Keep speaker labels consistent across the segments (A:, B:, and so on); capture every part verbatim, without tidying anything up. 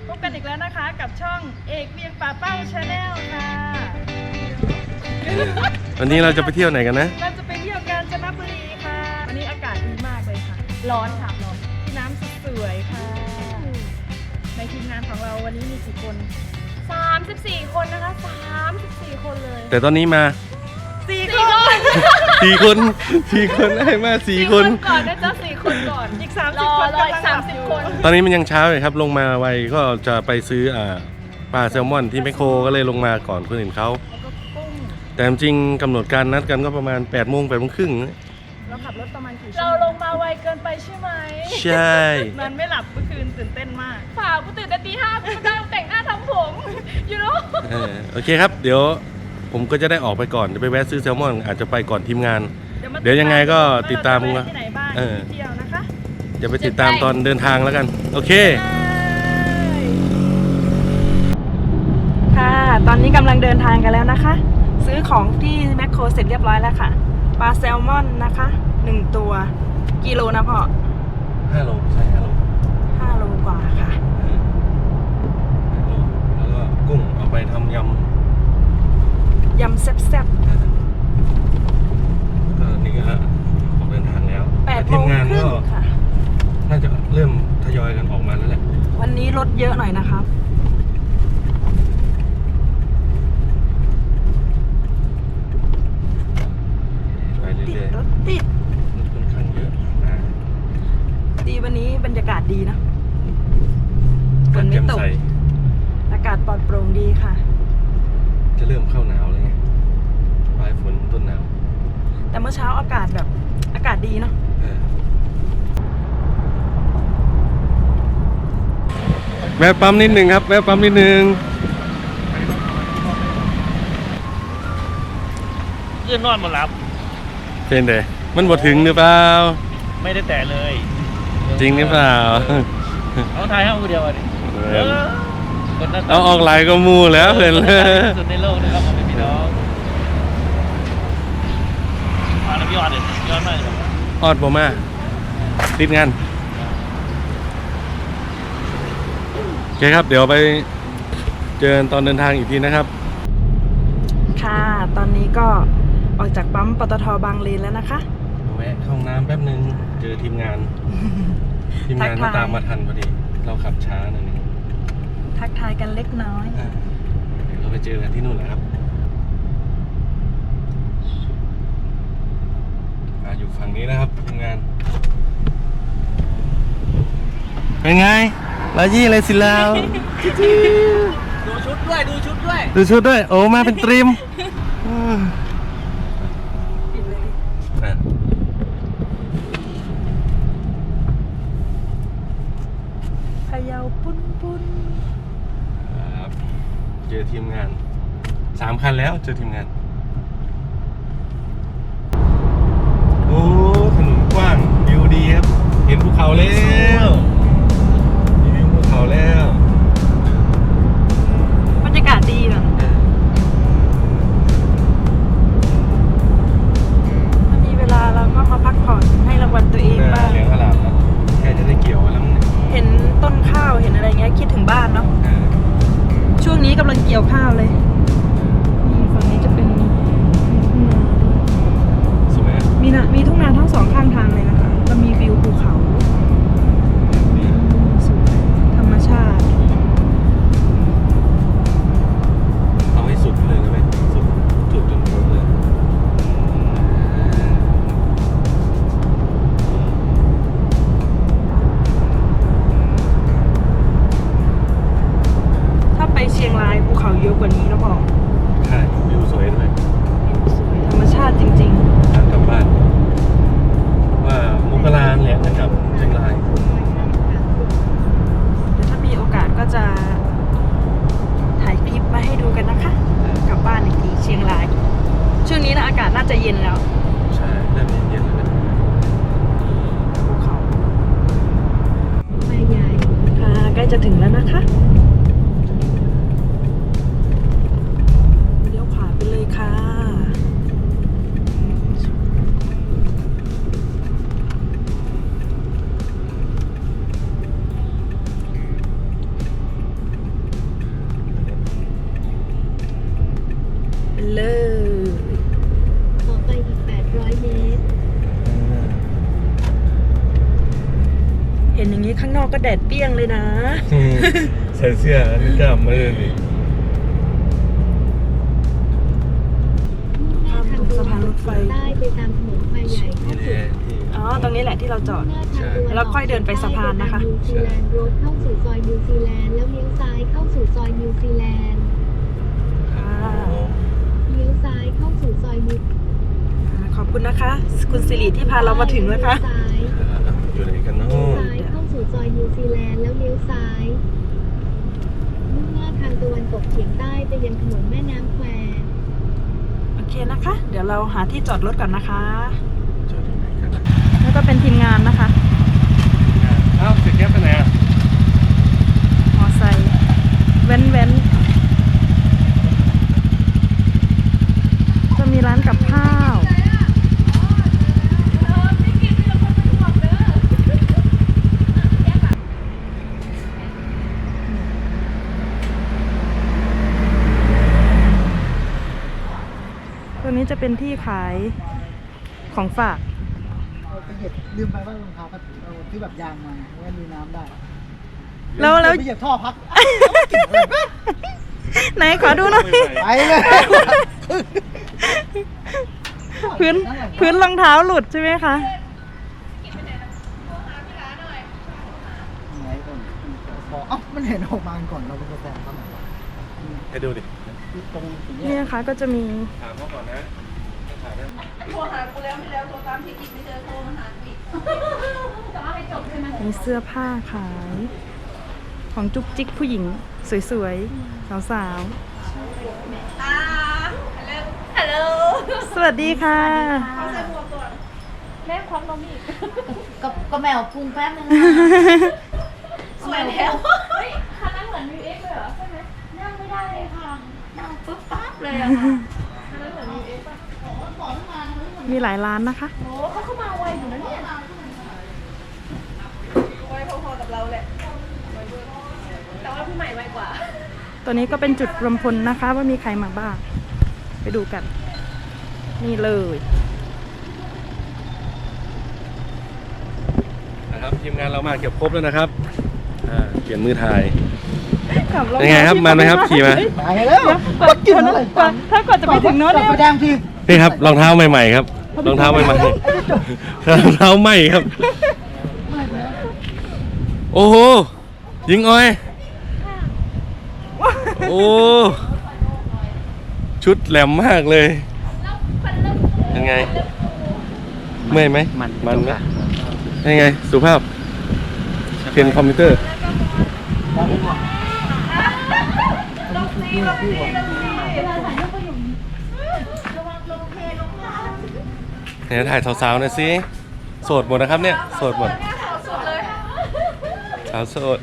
A: พบกันอีกแล้วนะคะกับช่องเอกเวียงป่าเป้าชาแนลค่ะ
B: วันนี้เราจะไปเที่ยวไหนกันนะ
A: เราจะไปเที่ยวกาญจนบุรีค่ะวันนี้อากาศดีมากเลยค่ะร้อนค่ะร้อนที่น้ำสวยค่ะในทีมงานของเราวันนี้มีกี่คน
C: สามสิบสี่คนนะคะสามสิบสี่คนเลย
B: แต่ตอนนี้มา
A: สี่คน
B: สี่คนสี่คนได้มาสี่คน
C: ก่อนนะจ๊ะสี่คนก่อน
A: อีกสามสิบคน
C: รออีกสามสิบคน
B: ตอนนี้มันยังเช้าเลยครับลงมาไวก็จะไปซื้ออ่าปลาแซลมอนที่แมคโครก็เลยลงมาก่อนคนอื่นเขาแต่จริงกำหนดการนัดกันก็ประมาณแปดโมงแปดโมงครึ่ง
A: เราขับรถประมาณกี่ชั่ว
C: เรา
A: โมง
C: ลงมาไวเกินไปใช่ไหม
B: ใช่
A: นอนไม่หลับเมื่อคืนตื่นเต้นมาก
C: ฝ่ากูตื่นแต่ตีห้ากูกำลังแต่งหน้าทำผม you know
B: โอเคครับเดี๋ยวผมก็จะได้ออกไปก่อนจะไปแวะซื้อแซลมอนอาจจะไปก่อนทีมงานเดี๋ยวยังไงก็ติดตามว่า
A: ที่ไหนบ้างเที่ยวนะคะ
B: จะไปติดตามตอนเดินทางแล้วกันโอเค
A: ค่ะตอนนี้กำลังเดินทางกันแล้วนะคะซื้อของที่แมคโครเสร็จเรียบร้อยแล้วค่ะปลาแซลมอนนะคะหนึ่งตัวกิโลนะพ่อ
B: ห้าโลใช่ห้าโล
A: ห้าโลกว่าค่ะ
B: แล้วก็กุ้งเอาไปทำย
A: ำยำแซ่บ
B: ๆก็นี่ก็ออกเดินทางแล้ว
A: แปดโมงครึ่งค่ะ
B: น่าจะเริ่มทยอยกันออกมาแล้วแหละ
A: วันนี้รถเยอะหน่อยนะครับติดรถติด
B: รถค่อนข้างเยอะนะ
A: ดีวันนี้บรรยากาศดีนะฝนไม่ตกอากาศปลอดโปร่งดีค่ะ
B: จะเริ่มเข้าหนาวแล้วไงปลายฝนต้นหนาว
A: แต่เมื่อเช้าอากาศแบบอากาศดีเนาะ
B: แวะปั๊มนิดนึงครับแวะปั๊มนิดนึง
D: ยื่นนอนหมดแล้ว
B: เป็นเดมันบดถึงหรือเปล่า
D: ไม่ได้แตะเลย
B: จริงหรือเปล่า
D: เอาทายให้คนเดียวดิ
B: เอาออกไหลก็มูแล้วเห็นเลย
D: สุดในโลกนะครับผมเป็นพี่น้องมาแล้วพี่ออดเลยพี่ออดมากเลย
B: ออดบ่มาติดงานโอเคครับเดี๋ยวไปเจอตอนเดินทางอีกทีนะครับ
A: ค่ะตอนนี้ก็ออกจากปั๊มปตท.บางเลนแล้วนะคะ
B: แวะเข้าห้องน้ำแป๊บนึงเจอทีมงานทีมงานเขาตามมาทันพอดีเราขับช้าหน่อยนึง
A: ทักทายกันเล็กน้อย
B: เดี๋ยวเราไปเจอกันที่นู่นแหละครับอยู่ฝั่งนี้นะครับทีมงานเป็นไงลายี่อะไรสิแล้ว
D: ดูชุดด้วยดูชุดด้วย
B: ดูชุดด้วยโอ้มาเป็นตรีม
A: พะเยาปุ้นปุ้น
B: ครับเจอทีมงานสามคันแล้วเจอทีมงานโอ้ถนนกว้างวิวดีครับเห็นภูเขาแล้วมีวิวภูเขาแล้ว
A: บรรยากาศดีนะถ้ามีเวลาเราก็มาพักผ่อนให้รางวัลตัวเองบ้าง
B: เลี้ยงอลามครับแค่จะได้เกี่ยวแล้วมั้ง
A: เห็นต้นข้าวเห็นอะไรเงี้ยคิดถึงบ้านเนาะช่วงนี้กำลังเกี่ยวข้าวเลยฝั่งนี้จะเป็น
B: สวย
A: มีนะมีทุ่งนาทั้งสองข้างทางเลยนะคะแล้วมีวิวภูเขาสวยธรรมชาติ
B: เอาให้สุดเลยนะเว้ยสุดสุดจนหมดเลย
A: ถ้าไปเชียงรายภูเขาเยอะกว่านี้นะพ่อ
B: ใช่วิวสวยด้วย
A: วิวสวยธรรมชาติจริง
B: ๆทางกลับบ้านว่ามุกลานเนี่ยจะกลับเชียงราย
A: เดี๋ยวถ้ามีโอกาสก็จะถ่ายคลิปมาให้ดูกันนะคะกลับบ้านอีกทีเชียงรายช่วงนี้นะอากาศน่าจะเย็นแล้ว
B: ใช่เริ่มเย็นๆแล้ว
A: ภูเขาไม่ใหญ่ค่ะใกล้จะถึงแล้วนะคะเลี้ยวขวาไปเลยค่ะอกก็แดดเปรี้ยงเลยนะ
B: ใส่เสื้ออันนี้กล้ามมาเลยนี่
A: ข้ามตรงสะพานรถไฟ
E: ใต้ไปตามถนนไฟใหญ่
B: นี่
E: เข้า
B: แห
E: สู่
B: ละที่
A: อ๋อ ตรงนี้แหละที่เราจอด แล้วค่อยเดินไปสะพานนะคะ
E: นิวซีแลนด์โรดเข้าสู่ซอยนิวซีแลนด์แล้วเลี้ยวซ้ายเข้าสู่ซอยนิวซีแลนด์
A: อ่า
E: เลี้ยวซ้ายเข้าสู่ซอยนิว
A: ขอบคุณนะคะ คุณสิริที่พาเรามาถึงนะคะ
E: เลี้ยวซ้าย
B: อยู่ไหนกันเนาะ
E: ซ้ายเข้าสู่ซอยนิวซีแลนด์แล้วเลี้ยวซ้ายมุ่งหน้าทางตะวันตกเฉียงใต้ไปยังถนนแม่น้ำแคว
A: โอเคนะคะ เดี๋ยวเราหาที่จอดรถก่อนนะคะ
B: จอดที่ไหนกันนะ
A: แล้วก็เป็นทีมงานนะคะ
B: อ้าวเสร็จแก๊ปไปไหนอ่ะ
A: มอไซค์เว้นเว้นจะมีร้านกับข้าวตัวนี้จะเป็นที่ขายของฝาก
D: ไปเหยียบลืมไปว่ารองเท้าผ้าถุงเราที่แบบยางมาไม่งั้นมีน้ำได้
A: แล้วแล้ว
D: ไปเหยียบท่อพัก
A: ไหนขอดูหน่อย
D: ไปเลย
A: พื้นพื้นรองเท้าหลุดใช่ไหมคะ
D: ไหนก่อนพอเอ้ามันเห็นออกมาก่อนเราเป็นกระแสครับ
B: ให้ดูดิ
D: ตรงสี่แย
A: นี่
D: ก
A: นะคะก็จะมี
B: ถามเขาก่อนนะถามนะ
A: มีเสื้อผ้าขาย ของจุ๊กจิ๊กผู้หญิง สวยๆ สาวๆฮัลโหลสวัสดีค่ะ
C: แม่ควักนมอีก
E: ก็ก็แมวพุงแป๊บนึง
C: สวยแล้วเฮ้ยคันนั้นเหมือนมิวเอ็กซ์เลยเหรอใช่ไหม
E: นั่งไม่ได้เลยค่ะนั่งปุ๊บปั๊บเลยอะค่ะ
C: คันนั้นเหมือนมิวเอ็กซ์ป่ะ
A: มีหลายร้านนะคะ
C: โอ้เขาเข้ามาไวอยู่นะเนี่ยไวพอๆกับเราแหละแต่ว่าพี่ใหม่ไวกว่า
A: ตัวนี้ก็เป็นจุดรวมพลนะคะ ว่ามีใครมาบ้าง ไปดูกัน นี่เลย
B: นะครับทีมงานเรามาเก็บครบแล้วนะครับอ่าเปลี่ยนมือถ่าย
A: ขับรถ
B: ยังไงครับมันไหมครับขี่มา
D: ไปแล้ว
A: กดกดกดถ้ากดจะไปถึงโน้น
D: จับ
A: เนี่ย
D: ไฟแดงที
B: นี่ครับรองเท้าใหม่ๆครับรองเท้าใหม่ๆรองเท้าใหม่ครับ โอ้โหยิงอ้อยโอ้ชุดแหลมมากเลยยังไงเมื่อยไหมมันมันไหมยังไงสุภาพเพียนคอมพิวเตอร์เนี่ยถ่ายสาวๆหน่อยสิโสดหมดนะครับเนี่ยโสดหมดสาวโสด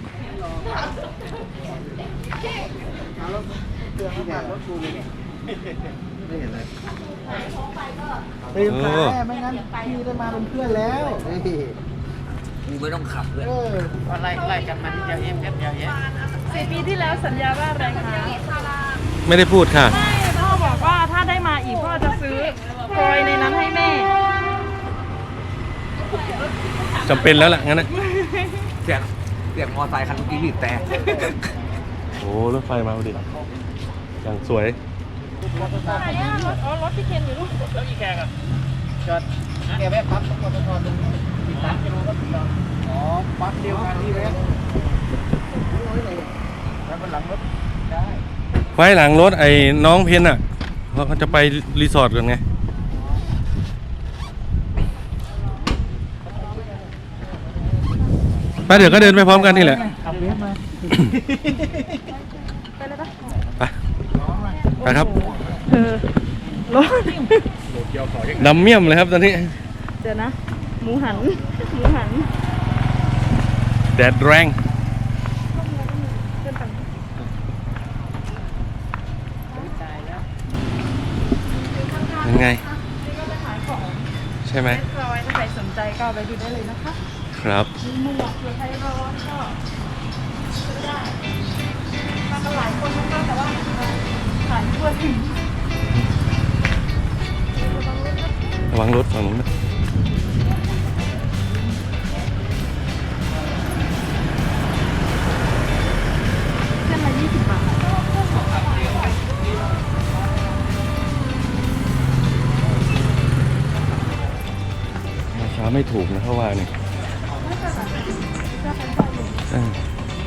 D: เต็มขาไม่งั้นพี่ได้มาเป็นเพื่อนแล้วกูไม่ต้องขับเลยไล่ไล่กันมาที่เดียวเอ็มกันเดียวเอ็ม
A: สี่ปีที่แล้วสัญญาว่าอะไรคะ
B: ไม่ได้พูดค่ะ
A: ไม่พ่อบอกว่าถ้าได้มาอีกพ่อจะซื้อโปรยในนั้นให้แม่
B: จำเป็นแล้วล่ะงั้นนะ
D: เสียงเสียงมอไซค์คันเมื่อกี้บีบแต่
B: โอ้รถไฟมาพอดีอย่างสวย
A: อ๋อรถพี่เคนอยู่ลูก
D: จอดแกแวะปั๊บปตทตรงนี้สามกิโลก็ถึงแล้วอ๋อปั๊บเดียวกันที่แวะแล้วมันหลังรถได้
B: ไว้หลังรถไอ้น้องเพนอ่ะเพราะเขาจะไปรีสอร์ทกันไงไปเดี๋ยวก็เดินไปพร้อมกันนี่แหละ
D: ขับเวฟมา
A: ไปเลยปะ
B: ไปไปครับ
A: เออรถ
B: ดำเมี่ยมเลยครับตอนนี้
A: เดี๋ยวนะ หมูหัน หมูหัน
B: แดดแรงยังไงใช่ไหม
A: รอยถ้าใครสนใจก็ไปดูได้เลยนะคะ
B: ครับ
A: มีหมวกเผื่อใครร้อนก็ซื้อได้มากันหลายคนนะคะแต่ว่าขายทั่วถึง
B: ระวังรถฝั่งนู้นนะไม่ถูกนะเพราะว่านี่เออ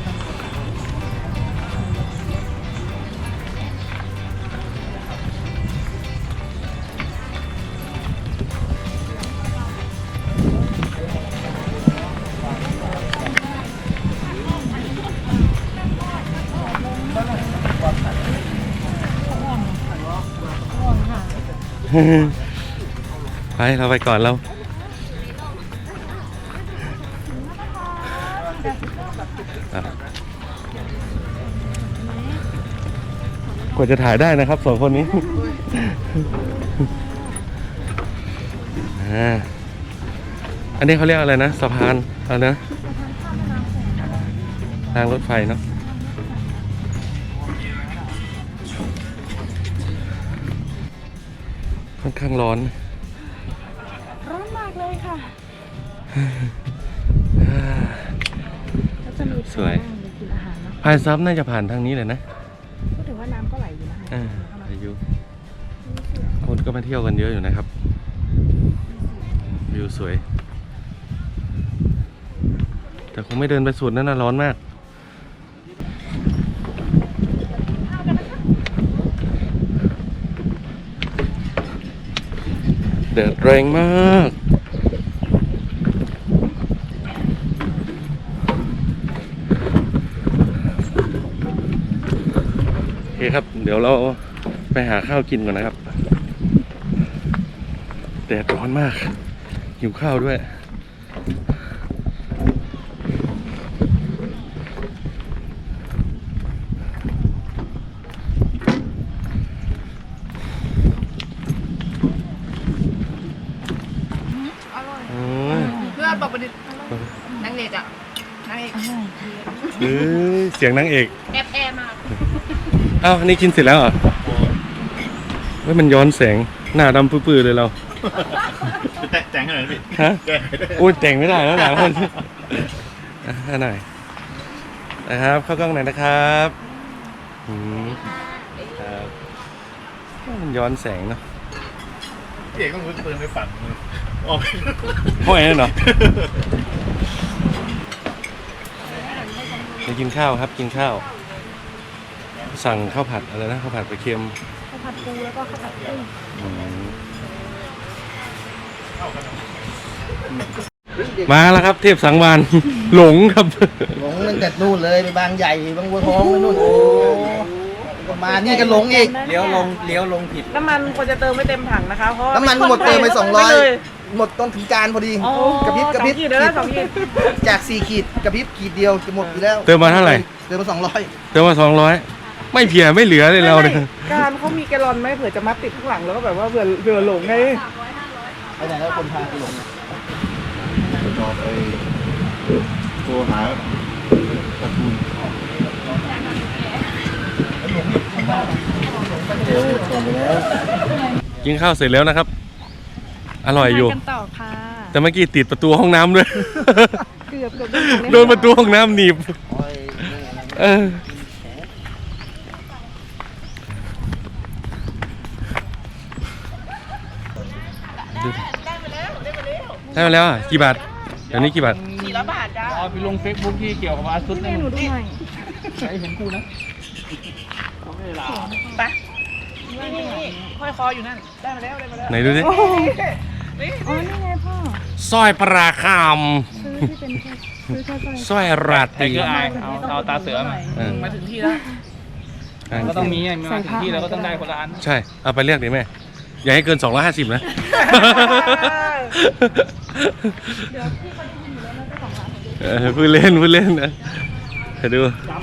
B: ไปเราไปก่อนเราอ่ะกว่าจะถ่ายได้นะครับสองคนนี้ อ่าอันนี้เขาเรียกอะไรนะสะพานอะไรนะทางรถไฟเนาะค่อนข้างร้อน
A: ร้อนมากเลยค่ะแล้วจะมี
B: สวย
A: กินอาหารเนาะ
B: พายซับน่าจะผ่านทางนี้เลยนะ
A: พูดถึงว่าน้ำก็ไหลอยู่นะคะ
B: อ่าอายุคนก็มาเที่ยวกันเยอะอยู่นะครับ วิวสวย แต่คงไม่เดินไปสุดนั่นนะร้อนมาก แดดแรงมากโอเคครับ เดี๋ยวเราไปหาข้าวกินก่อนนะครับ แดดร้อนมาก หิวข้าวด้วย อืม
C: เพื่อนบอกประดิษฐ์นางเอกอ่ะนางเอก
B: เอ้ยเสียงนางเอก
C: แอบแอบมา
B: อ้าวนี่กินเสร็จแล้วเหรอเฮ้ยมันย้อนแสงหน้าดำปื้อๆเลยเรา
F: แต่งให้หน่อยพี่
B: ฮะ
F: แก
B: อุ้ยแต่งไม่ได้แล้วหนาคนอ่ะให้หน่อยนะครับเข้ากล้องหน่อยนะครับอืมครับมันย้อนแสงเนาะ
F: พี่เอกต้องมือปืนไปฝังมือออก
B: ห้อยนั่นเหรอไปกินข้าวครับกินข้าว สั่งข้าวผัดอะไรนะข้าวผัดปลาเค็ม
A: ข้าวผัดปูแล้วก็ข้าวผัดกุ้ง
B: อืมมาแล้วครับเทพสังวาน หลงครับ
D: หลงตั้งแต่นู่นเลยไปบางใหญ่บางบัวทองไปนู่นโอ้ก็มานี่ก็หลงอีก
G: เลี้ยวลงเลี้ยวลงผิด
A: น้ำมันควรจะเติมไม่เต็มถังนะคะ เพราะว่า
D: น้ำมันหมดเติมไปสองร้อย
A: ไม่เลย
D: หมดต้องถึงจานพอดี
A: อ๋อก
D: ระพริบกระพริบ
A: สองขีดเดี๋ยวนะสองขีด
D: จากสี่ขีดกระพริบขีดเดียวจะหมดอยู่แล้ว
B: เติมมาเท่าไหร่
D: เติมมาสองร้อย
B: เติมมาสองร้อยไม่เพียไม่เหลือเลยเราเนี่ย
A: ไม่ไม่การเขามีแกลลอนไหมเผื่อจะมัดติดข้างหลังแล้วก็แบบว่าเผื่อเผื่อหลงไง
D: ไปไหนแล้วคนพาไปหลง
F: ต่อไปโทรหาตระกูล
B: กินข้าวเสร็จแล้วนะครับ อร่อยอยู่
A: กันต่อค่ะ
B: แต่เมื่อกี้ติดประตูห้องน้ำด้วย
A: เกือบเกือบ
B: โดนประตูห้องน้ำหนีบเออดูดิได้มาแล้วได้มาแล้วอ่ะกี่บาทเดี๋ยวนี้กี่บาท
A: สี่ร้อยบาทจ้า
G: เอาไปลงเฟซบุ๊กที่เกี่ยวกับอาซุด
A: นี่
G: นั่น
A: หนูดูหน่อย
G: ใช้เห็นกูนะ
A: ไปนี่นี่นี่ห้อยคออยู่นั่นได้มาแล้วได้มาแล้ว
B: ไหนดูสิ
A: อ๋อนี่ไงพ่อ
B: สร้อยปราค
A: ซื้อที่เป็นแค่ซื้อแค่สร้อย
B: ำสร้อยราต
G: ไท
B: รี
G: เกอร์ไอเอาเอาตาเสือมา
B: เออ
A: มาถึงที่แล้ว
B: อ่ะ
G: ก็ต้องมีไงมาถึงที่เราก็ต้องได้คนละอัน
B: ใช่เอาไปเรียกดิแม่อย่าให้เกินสองร้อยห้าสิบนะ
A: เดี๋ยวพี่คนที่อยู่แล้วน่าจะสองล้าน
B: เออพูดเล่นพูดเล่นนะให้ดู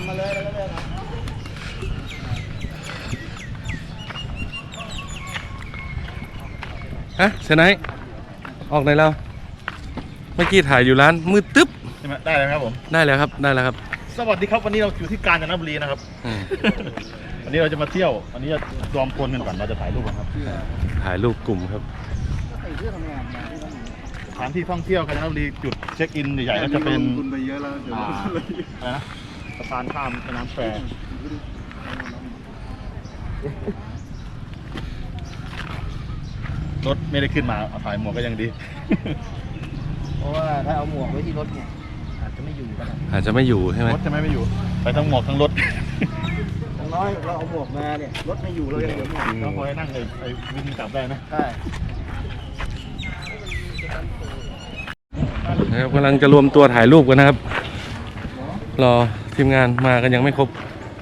B: ฮะเซนไนท์ออกไหนเราเมื่อกี้ถ่ายอยู่ร้านมืดตึ๊บ
F: ใช่ไหมได้แล้วครับผม
B: ได้แล้วครับได้แล้วครับ
F: สวัสดีครับวันนี้เราอยู่ที่กาญจนบุรีนะครับ
B: อืม
F: วันนี้เราจะมาเที่ยววันนี้จะรวมพลกันก่อนเราจะถ่ายรูปกันครับ
B: ถ่ายรูปกลุ่มครับ
F: สถานที่ท่องเที่ยวกาญจนบุรีจุดเช็คอินใหญ่ๆก็จะเป็นอ่าอะไรนะสะพานข้ามแม่น้ำแควรถไม่ได้ขึ้นมาเอาถ่ายหมวกก็ยังดี
D: ราะว่าถ้าเอาหมวกไว้ที่รถเนี่ยอาจจะไม่อยู่ก็ได้
B: อาจจะไม่อยู่ใช่ไหม
F: รถจะไม่ไปอยู่ ไปทั้งหมวกทั้งรถ
D: อย่างน้อยเราเอาหมวกมาเนี่ยรถไม่อยู่เรายังเหลือหมวก
F: เราคอยนั่งเลยไอ้วินกลับได้นะ
D: ใช่
B: นะครับกำลังจะรวมตัวถ่ายรูปกันนะครับ รอทีมงานมากันยังไม่ครบ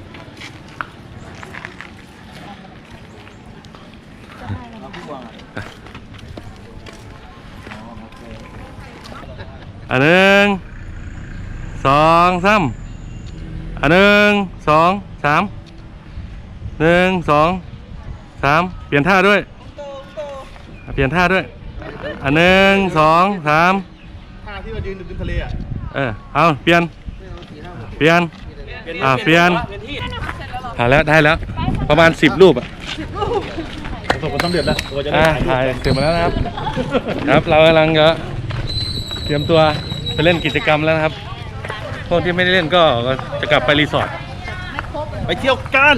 B: อันหนึ่งสองสามอันหนึ่งสองสามหนึ่งสองสามเปลี่ยนท่าด้วยเปลี่ยนท่าด้วยอันหนึ่งสองสาม
F: ท่าที่เรายืนริมทะเลอ่ะ
B: เออเอาเปลี่ยนเปลี่ยนอ่าเปลี่ยนถ่ายแล้วได้แล้วประมาณสิบรูปอ่ะ
F: ประสบผลสำเร็จแล้วตัวจะได้
B: อ่า
F: ถ่าย
B: ถ่ายเสร็จมาแล้วนะครับ ครับเรากำลังจะเตรียมตัวไปเล่นกิจกรรมแล้วนะครับคนที่ไม่ได้เล่นก็จะกลับไปรีสอร์ท
F: ไปเที่ยวกัน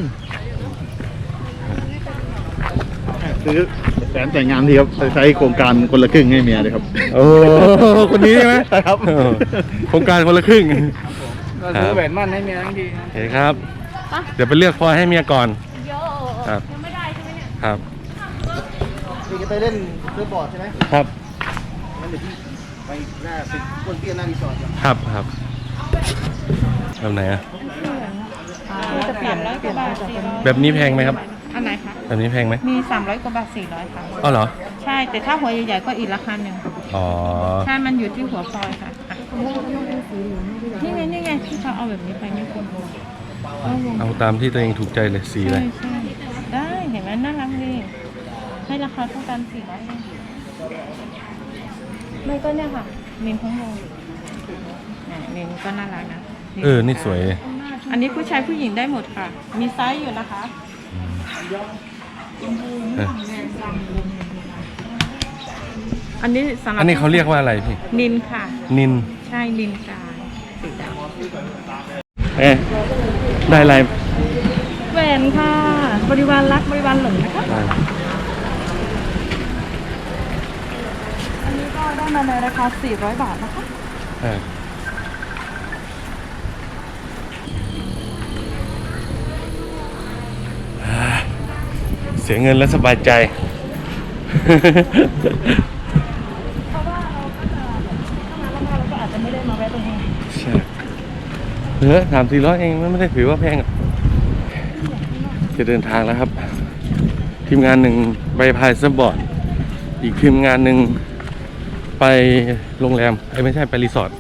F: ซื้อแสนแต่งงานดีครับใช้โครงการคนละครึ่งให้เมียเลยครับ
B: โอ้คนนี้ใช่ไหม
F: ใช่ครับ
B: เออโครงการคนละครึ่ง
G: ก็ซื้อแหวนมั่นให้เมียทั้งทีนะ
B: โอเคครับ เดี๋ยวไปเลือกพลอยให้เมียก่อน
C: โย
B: ครับ
C: ยังไม่ได้ใช่ไหมเนี่ย
B: ครับ
D: นี่จะไปเล่นเรือบอร์ดใช่ไหม
B: ครับ
D: งั้นเดี๋ยวพี่ไปหน้าตึกบนเตี้ยหน้ารีสอร์ทก่อน
B: ครับครับแบบไหนอะ
A: จะเปลี่ยนร้อยกว่าบาทสี่ร้อย
B: แบบนี้แพงไหมครับ
A: อันไหนคะ
B: แบบนี้แพงไหม
A: มีสามร้อยกว่าบาทสี่ร้อยค่ะ
B: อ๋อเหรอ
A: ใช่ แต่ถ้าหัวใหญ่ๆก็อีกราคาหนึ่ง
B: อ๋อ
A: ใช่ มันอยู่ที่หัวพลอยค่ะอ่ะนี่ไงนี่ไงที่เขาเอาแบบนี้ไปไม่คุ้ม
B: เอาตามที่ตัวเองถูกใจเลยสีเล
A: ใช่
B: ย
A: ใช่ได้เห็นไหมน่ารักดีให้ราคาเท่ากันสี่ร้อยเองไม่ก็เนี่ยค่ะมินทั้งโลอ่ะมินก็น่ารักนะ
B: เออ นี่สวย
A: อันนี้ผู้ชายผู้หญิงได้หมดค่ะ มีไซส์อยู่นะคะ
B: เออ
A: อันนี้สำหรับ
B: อันนี้เขาเรียกว่าอะไรพี่
A: นินค่ะ
B: นิน
A: ใช่นินกายสีดำ
B: เอ๊ะได้อะไร
A: แหวนค่ะ บริวารรักบริวารหลงนะคะ
B: อ่า
A: อันนี้ก็ได้มาในราคาสี่ร้อยบาทนะคะ
B: อ่าเสียเงินแล้วสบายใจ
A: เพราะว่าเราก็จะถ้ามาแล้วเราก็อาจจะไม่ได้มาแวะตรงนี้
B: ใช่เหลือสามสี่ร้อยเองมันไม่ได้ถือว่าแพงอะจะเดินทางแล้วครับ ทีมงานหนึ่งไปพายสบอร์ดอีกทีมงานหนึ่งไปโรงแรมไอ้ยไม่ใช่ไปรีสอร์ท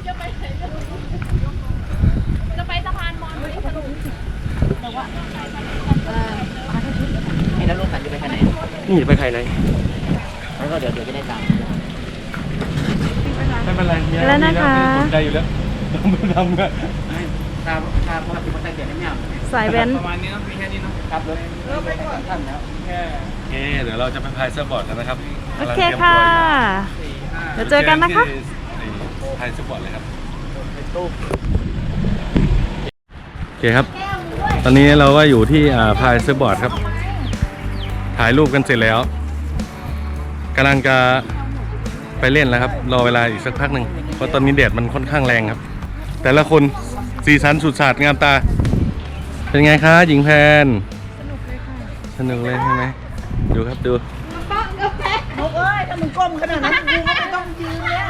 C: จะไปสะพานมอญไม่สนุก
D: ไอ้แล้วรถขันจะไปคันไหน
B: นี่ไปใครไหน
D: แล้วก็เดี๋ยวเดี๋ยวจะได้ตาม
B: ไม่เป็นไรมี
A: แล้วนะคะ
B: สนใจอยู่แล้วต้องไปทำกัน
D: ตามตามมาติดมาแต่งเดี๋ยวไม่ยาก
A: สายแว้น
G: ประมาณนี้เนอะมีแค่นี้เนาะ
D: ครับรถเริ่มไปก่อนท่านแล้ว
G: แค่
B: โอเคเดี๋ยวเราจะไปพายสบอร์ดกันนะครับ
A: โอเคค่ะ เดี๋ยวเจอกันนะคะ
B: พายสบอร์ดเลยครับโอเคครับ ตอนนี้เราก็อยู่ที่อ่าพายเซอร์บอร์ดครับ ถ่ายรูปกันเสร็จแล้วกำลังจะไปเล่นแล้วครับ รอเวลาอีกสักพักหนึ่งเพราะตอนนี้แดดมันค่อนข้างแรงครับ แต่ละคนสีสันสุดสาดงามตา เป็นไงคะหญิงแพนสนุกเลยค่ะ สนุกเลยใช่ไหมดูครับดู
C: นกเอ้ย ถ้ามึงก้มขนาดนั้นกูก็ไม่ต้องยืนแล้ว